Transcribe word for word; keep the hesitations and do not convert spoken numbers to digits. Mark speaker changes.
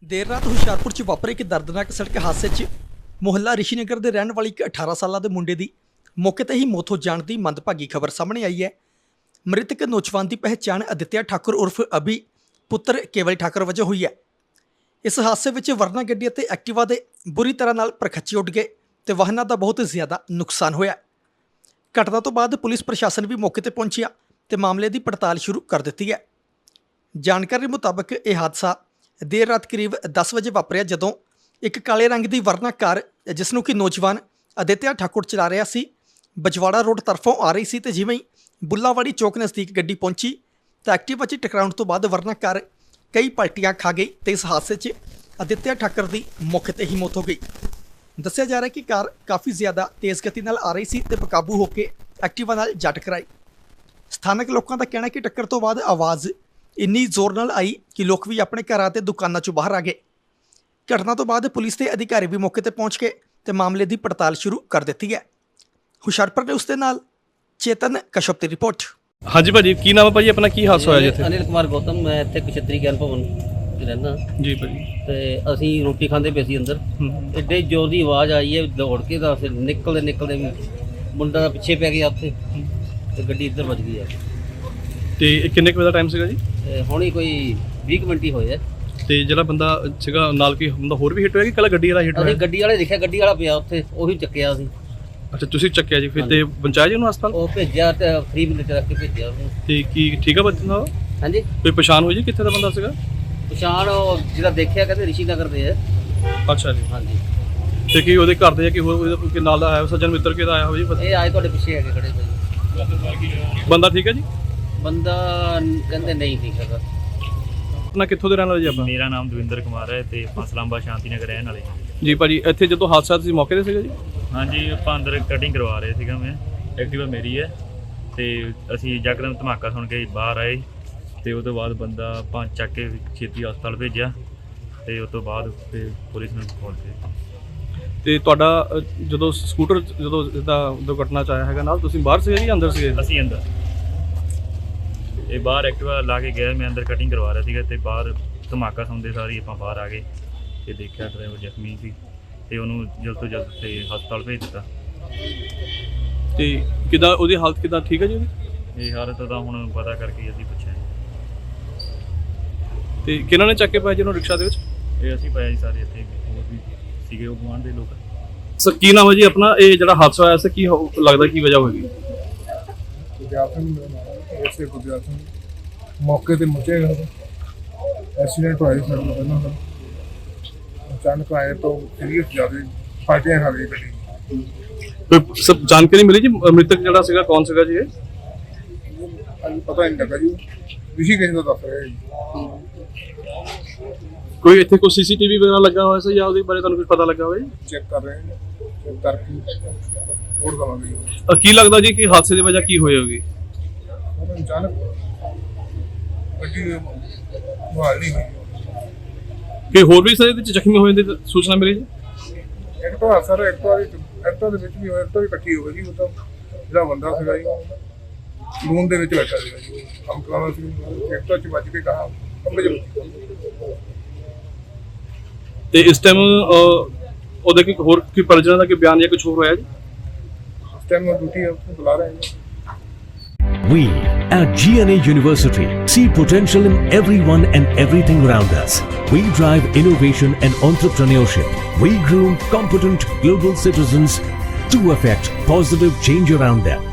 Speaker 1: ਦੇਰ ਰਾਤ ਹੁਸ਼ਿਆਰਪੁਰ 'ਚ ਵਾਪਰੇ ਇੱਕ ਦਰਦਨਾਕ ਸੜਕ ਹਾਦਸੇ 'ਚ ਮੁਹੱਲਾ ਰਿਸ਼ੀਨਗਰ ਦੇ ਰਹਿਣ ਵਾਲੀ ਇੱਕ ਅਠਾਰਾਂ ਸਾਲਾਂ ਦੇ ਮੁੰਡੇ ਦੀ ਮੌਕੇ ਤੇ ਹੀ ਮੌਤ ਹੋ ਜਾਣ ਦੀ ਮੰਦਭਾਗੀ ਖਬਰ ਸਾਹਮਣੇ ਆਈ ਹੈ। ਮ੍ਰਿਤਕ ਨੌਜਵਾਨ ਦੀ ਪਹਿਚਾਣ ਅਦਿੱਤਿਆ ਠਾਕੁਰ ਉਰਫ ਅਭੀ ਪੁੱਤਰ ਕੇਵਲ ਠਾਕੁਰ ਵਜੋਂ ਹੋਈ ਹੈ। ਇਸ ਹਾਦਸੇ ਵਿੱਚ ਵਰਨਾ ਗੱਡੀ ਅਤੇ ਐਕਟਿਵਾ ਦੇ ਬੁਰੀ ਤਰ੍ਹਾਂ ਨਾਲ ਪਰਖੱਚੇ ਉੱਡ ਗਏ ਤੇ ਵਾਹਨਾਂ ਦਾ ਬਹੁਤ ਜ਼ਿਆਦਾ ਨੁਕਸਾਨ ਹੋਇਆ। ਘਟਨਾ ਤੋਂ ਬਾਅਦ ਪੁਲਿਸ ਪ੍ਰਸ਼ਾਸਨ ਵੀ ਮੌਕੇ ਤੇ ਪਹੁੰਚਿਆ ਤੇ ਮਾਮਲੇ ਦੀ ਪੜਤਾਲ ਸ਼ੁਰੂ ਕਰ ਦਿੱਤੀ ਹੈ। ਜਾਣਕਾਰੀ ਮੁਤਾਬਕ ਇਹ ਹਾਦਸਾ ਦੇਰ ਰਾਤ ਕਰੀਬ ਦਸ ਵਜੇ ਵਾਪਰਿਆ, ਜਦੋਂ ਇੱਕ ਕਾਲੇ ਰੰਗ ਦੀ ਵਰਨਾ ਕਾਰ ਜਿਸ ਨੂੰ ਕਿ ਨੌਜਵਾਨ ਅਦਿੱਤਿਆ ਠਾਕੁਰ ਚਲਾ ਰਿਹਾ ਸੀ, ਬਜਵਾੜਾ ਰੋਡ ਤਰਫੋਂ ਆ ਰਹੀ ਸੀ ਤੇ ਜਿਵੇਂ ਹੀ ਬੁੱਲਾਵਾੜੀ ਚੌਕ ਨਜ਼ਦੀਕ ਗੱਡੀ ਪਹੁੰਚੀ ਤਾਂ ਐਕਟਿਵਾ 'ਚ ਟਕਰਾਉਣ ਤੋਂ ਬਾਅਦ ਵਰਨਾ ਕਾਰ ਕਈ ਪਲਟੀਆਂ ਖਾ ਗਈ ਤੇ ਇਸ ਹਾਦਸੇ 'ਚ ਅਦਿੱਤਿਆ ਠਾਕੁਰ ਦੀ ਮੌਕੇ ਤੇ ਹੀ ਮੌਤ ਹੋ ਗਈ। ਦੱਸਿਆ ਜਾ ਰਿਹਾ ਕਿ ਕਾਰ ਕਾਫੀ ਜ਼ਿਆਦਾ ਤੇਜ਼ ਗਤੀ ਨਾਲ ਆ ਰਹੀ ਸੀ ਤੇ ਬੇਕਾਬੂ ਹੋ ਕੇ ਐਕਟਿਵਾ ਨਾਲ ਜਾ ਟਕਰਾਈ। ਸਥਾਨਕ ਲੋਕਾਂ ਦਾ ਕਹਿਣਾ ਕਿ ਟੱਕਰ ਤੋਂ ਬਾਅਦ ਆਵਾਜ਼ ਇੰਨੀ ਜ਼ੋਰ ਨਾਲ ਆਈ ਕਿ ਲੋਕ ਵੀ ਆਪਣੇ ਘਰਾਂ ਤੇ ਦੁਕਾਨਾਂ 'ਚੋਂ ਬਾਹਰ ਆ ਗਏ। ਘਟਨਾ ਤੋਂ ਬਾਅਦ ਪੁਲਿਸ ਦੇ ਅਧਿਕਾਰੀ ਵੀ ਮੌਕੇ ਤੇ ਪਹੁੰਚ ਕੇ ਤੇ ਮਾਮਲੇ ਦੀ ਪੜਤਾਲ ਸ਼ੁਰੂ ਕਰ ਦਿੱਤੀ ਹੈ। ਹੁਸ਼ਿਆਰਪੁਰ ਨੇ ਉਸ ਦੇ ਨਾਲ ਚੇਤਨ ਕਸ਼ਪ ਦੀ ਰਿਪੋਰਟ।
Speaker 2: ਹਾਂਜੀ ਭਾਜੀ, ਕੀ ਨਾਮ ਹੈ ਭਾਜੀ ਆਪਣਾ? ਕੀ ਹਾਦਸਾ ਹੋਇਆ ਜੀ ਇੱਥੇ?
Speaker 3: ਅਨਿਲ ਕੁਮਾਰ ਗੌਤਮ, ਮੈਂ ਇੱਥੇ ਕੁਸ਼ਤਰੀ ਗਿਆਨ ਭਵਨ 'ਚ ਰਹਿੰਦਾ
Speaker 2: ਜੀ ਭਾਜੀ।
Speaker 3: ਤੇ ਅਸੀਂ ਰੋਟੀ ਖਾਂਦੇ ਪਏ ਸੀ ਅੰਦਰ, ਐਡੇ ਜ਼ੋਰ ਦੀ ਆਵਾਜ਼ ਆਈ ਹੈ, ਦੌੜ ਕੇ ਤਾਂ ਫਿਰ ਨਿਕਲਦੇ ਨਿਕਲਦੇ ਵੀ ਮੁੰਡਾ ਦਾ ਪਿੱਛੇ ਪੈ ਗਿਆ ਉੱਥੇ ਤੇ ਗੱਡੀ ਇੱਧਰ ਵੱਜ ਗਈ ਆ।
Speaker 2: ਤੇ ਇਹ ਕਿੰਨੇ ਕੁ ਵਜੇ ਦਾ ਟਾਈਮ ਸੀਗਾ ਜੀ?
Speaker 3: ਹੁਣੀ ਕੋਈ ਵੀਹ ਕੁ ਮਿੰਟ ਹੀ ਹੋਏ ਆ।
Speaker 2: ਤੇ ਜਿਹੜਾ ਬੰਦਾ ਸੀਗਾ ਨਾਲ ਕੀ ਹੁੰਦਾ ਹੋਰ ਵੀ ਹਿੱਟ ਹੋਇਆ ਕਿ ਕੱਲਾ ਗੱਡੀ ਵਾਲਾ ਹਿੱਟ
Speaker 3: ਅਸੀਂ
Speaker 2: ਹੋਇਆ?
Speaker 3: ਗੱਡੀ ਵਾਲੇ ਦੇਖਿਆ, ਗੱਡੀ ਵਾਲਾ ਪਿਆ ਉੱਥੇ, ਉਹੀ ਚੱਕਿਆ ਸੀ।
Speaker 2: ਅੱਛਾ, ਤੁਸੀਂ ਚੱਕਿਆ ਜੀ ਫਿਰ? ਤੇ ਪਹੁੰਚਾਇਆ ਜੀ ਉਹਨੂੰ ਹਸਪਤਾਲ?
Speaker 3: ਉਹ ਭੇਜਿਆ ਤੇ ਫਰੀ ਮਿੰਟ ਰੱਖ ਕੇ ਭੇਜਿਆ ਉਹਨੂੰ।
Speaker 2: ਤੇ ਕੀ ਠੀਕ ਆ ਬੰਦਾ?
Speaker 3: ਹਾਂਜੀ,
Speaker 2: ਕੋਈ ਪਛਾਣ ਹੋਈ ਜੀ ਕਿੱਥੇ ਦਾ ਬੰਦਾ ਸੀਗਾ?
Speaker 3: ਪਛਾਣ ਉਹ ਜਿਹੜਾ ਦੇਖਿਆ ਕਹਿੰਦੇ ਰਿਸ਼ੀ ਨਗਰ ਦੇ ਆ।
Speaker 2: ਅੱਛਾ ਜੀ।
Speaker 3: ਹਾਂਜੀ,
Speaker 2: ਤੇ ਕੀ ਉਹਦੇ ਘਰ ਦੇ ਜਾਂ ਕਿ ਹੋਰ ਉਹਦੇ ਕੋਈ ਨਾਲ ਦਾ ਆਇਆ ਸੱਜਣ ਮਿੱਤਰ ਕਿਹਦਾ ਆਇਆ ਹੋਇਆ ਜੀ?
Speaker 3: ਇਹ ਆਏ ਤੁਹਾਡੇ ਪਿੱਛੇ ਹੈਗੇ ਖੜੇ ਭਾਈ।
Speaker 2: ਬੰਦਾ ਠੀਕ ਹੈ ਜੀ?
Speaker 3: ਬੰਦਾ ਕਹਿੰਦੇ ਨਹੀਂ ਠੀਕ ਹੈਗਾ।
Speaker 2: ਆਪਣਾ ਕਿੱਥੋਂ ਦੇ ਰਹਿਣ ਵਾਲੇ ਜੀ ਆਪਾਂ?
Speaker 4: ਮੇਰਾ ਨਾਮ ਦਵਿੰਦਰ ਕੁਮਾਰ ਹੈ ਤੇ ਫਸਲਾਂਬਾ ਸ਼ਾਂਤੀ ਨਗਰ ਰਹਿਣ ਵਾਲੇ ਹਾਂ
Speaker 2: ਜੀ ਭਾਜੀ, ਇੱਥੇ ਜਦੋਂ ਹਾਦਸਾ ਤੁਸੀਂ ਮੌਕੇ ਤੇ ਸੀਗਾ ਜੀ?
Speaker 4: ਹਾਂਜੀ, ਆਪਾਂ ਅੰਦਰ ਕਟਿੰਗ ਕਰਵਾ ਰਹੇ ਸੀਗਾ, ਮੈਂ ਐਕਟਿਵਾ ਮੇਰੀ ਹੈ ਤੇ ਅਸੀਂ ਯਕਦਮ ਧਮਾਕਾ ਸੁਣ ਕੇ ਬਾਹਰ ਆਏ ਤੇ ਉਹ ਤੋਂ ਬਾਅਦ ਬੰਦਾ ਆਪਾਂ ਚੱਕ ਕੇ ਛੇਤੀ ਹਸਪਤਾਲ ਭੇਜਿਆ ਤੇ ਉਸ ਤੋਂ ਬਾਅਦ ਫਿਰ ਪੁਲਿਸ ਨੂੰ ਫੋਨ ਕੀਤਾ।
Speaker 2: ਤੇ ਤੁਹਾਡਾ ਅ, ਜਦੋਂ ਸਕੂਟਰ ਜਦੋਂ ਇਦਾਂ ਦੁਰਘਟਨਾ 'ਚ ਆਇਆ ਹੈਗਾ ਨਾਲ, ਤੁਸੀਂ ਬਾਹਰ ਸੀਗੇ ਜਾਂ ਅੰਦਰ ਸੀਗੇ?
Speaker 4: ਅਸੀਂ ਅੰਦਰ, ਇਹ ਬਾਹਰ ਐਕਟਿਵਾ ਲਾ ਕੇ ਗਿਆ, ਮੈਂ ਅੰਦਰ ਕਟਿੰਗ ਕਰਵਾ ਰਿਹਾ ਸੀਗਾ ਤੇ ਬਾਹਰ ਧਮਾਕਾ ਸੁਣਦੇ ਸਾਰੀ ਆਪਾਂ ਬਾਹਰ ਆ ਗਏ ਤੇ ਦੇਖਿਆ ਡਰਾਈਵਰ ਜ਼ਖਮੀ ਸੀ ਤੇ ਉਹਨੂੰ ਜਲਦ ਤੋਂ ਜਲਦ ਤੇ ਹਸਪਤਾਲ ਭੇਜ ਦਿੱਤਾ।
Speaker 2: ਤੇ ਕਿੱਦਾਂ ਉਹਦੀ ਹਾਲਤ ਕਿੱਦਾਂ, ਠੀਕ ਹੈ ਜੀ ਉਹਦੀ?
Speaker 4: ਇਹ ਹਾਲਤ ਦਾ ਹੁਣ ਪਤਾ ਕਰਕੇ ਅਸੀਂ ਪੁੱਛਿਆ।
Speaker 2: ਤੇ ਕਿਹਨਾਂ ਨੇ ਚੱਕ ਕੇ ਪਾਇਆ ਜੀ ਉਹਨੂੰ ਰਿਕਸ਼ਾ ਦੇ ਵਿੱਚ?
Speaker 4: ਇਹ ਅਸੀਂ ਪਾਇਆ ਜੀ ਸਾਰੇ ਇੱਥੇ, ਹੋਰ ਵੀ ਸੀਗੇ ਉਹ ਗੁਆਂਢ ਦੇ ਲੋਕ।
Speaker 2: ਸਰ ਕੀ ਨਾਮ ਹੈ ਜੀ ਆਪਣਾ? ਇਹ ਜਿਹੜਾ ਹਾਦਸਾ ਹੋਇਆ ਸੀ ਕੀ ਹੋ- ਲੱਗਦਾ ਕੀ ਵਜ੍ਹਾ ਹੋਏਗੀ?
Speaker 5: ਗੁਰਦਿਆਲ ਸਿੰਘ ਮੇਰਾ ਨਾਮ ਹੈ, ਐਸੇ ਗੁਰਦਿਆਲ ਸਿੰਘ। ਮੌਕੇ ਤੇ ਮੁੱਚੇ ਐਕਸੀਡੈਂਟ ਹੋਇਆ ਸੀ ਸਾਡੇ ਨਾਲ ਪਹਿਲਾਂ ਦਾ। ਅਚਾਨਕ ਆਏ ਤਾਂ ਸੀਰੀਅਸ ਜ਼ਿਆਦਾ ਫਾਟਿਆ ਖਾ ਗਈ ਗੱਡੀ।
Speaker 2: ਕੋਈ ਸਭ ਜਾਣਕਾਰੀ ਮਿਲੀ ਜੀ ਮ੍ਰਿਤਕ ਜਿਹੜਾ ਸੀਗਾ ਕੌਣ ਸੀਗਾ ਜੀ? ਇਹ
Speaker 5: ਅੱਜ ਪਤਾ ਨਹੀਂ ਲੱਗਾ ਜੀ, ਰਿਸ਼ੀ ਕਿਸੇ ਦਾ ਦੱਸ ਰਿਹਾ ਜੀ।
Speaker 2: ਕੋਈ ਇੱਥੇ ਕੋਈ ਸੀਸੀਟੀਵੀ ਵਗੈਰਾ ਲੱਗਾ ਹੋਇਆ ਸੀ ਜਾਂ ਉਹਦੇ ਬਾਰੇ ਤੁਹਾਨੂੰ ਕੁਝ ਪਤਾ ਲੱਗਾ ਹੋਇਆ ਜੀ?
Speaker 5: ਚੈੱਕ ਕਰ ਰਹੇ ਹਾਂ, ਚੈੱਕ ਕਰਕੇ ਰਿਪੋਰਟ ਕਰਾਂਗੇ ਜੀ।
Speaker 2: ਅ, ਕੀ ਲੱਗਦਾ ਜੀ ਕਿ ਹਾਦਸੇ ਦੀ ਵਜ੍ਹਾ ਕੀ ਹੋਈ ਹੋਗੀ?
Speaker 5: ਉਹ ਅਚਾਨਕ ਗੱਡੀ ਮੁਹਾਲ ਨਹੀਂ ਹੋਈ।
Speaker 2: ਕਿ ਹੋਰ ਵੀ ਸਾਰੇ ਇਹਦੇ ਵਿੱਚ ਜ਼ਖਮੀ ਹੋਏ ਦੀ ਸੂਚਨਾ ਮਿਲੀ ਜੀ?
Speaker 5: ਇੱਕ ਤਾਂ ਸਰ ਇੱਕ ਵਾਰੀ ਐਕਟਰ ਦੇ ਵਿੱਚ ਵੀ ਹੋਇਆ, ਐਕਟਰ ਵੀ ਇਕੱਠੀ ਹੋ ਗਈ ਜੀ। ਉਹ ਤਾਂ ਜਿਹੜਾ ਬੰਦਾ ਸੀਗਾ ਜੀ ਲੂਨ ਦੇ ਵਿੱਚ ਬੈਠਾ ਸੀਗਾ ਜੀ, ਕੰਮ ਕਰਾਉਣਾ ਸੀ, ਐਕਟਰ 'ਚ ਵੱਜ ਕੇ ਕਹਾ ਕੰਬੇ 'ਚ।
Speaker 2: ਤੇ ਇਸ ਟਾਈਮ ਉਹਦੇ ਕੀ ਹੋਰ ਕੀ ਪਰਿਜਨਾਂ ਦਾ ਕੀ ਬਿਆਨ ਜਾਂ ਕੁਝ ਹੋਰ ਹੋਇਆ ਜੀ?
Speaker 5: ਉਸ ਟਾਈਮ ਡਿਊਟੀ ਹੈ, ਉੱਥੇ ਬੁਲਾ ਰਹੇ ਹਾਂ।
Speaker 6: We at G N A University see potential in everyone and everything around us. We drive innovation and entrepreneurship. We groom competent global citizens to affect positive change around them.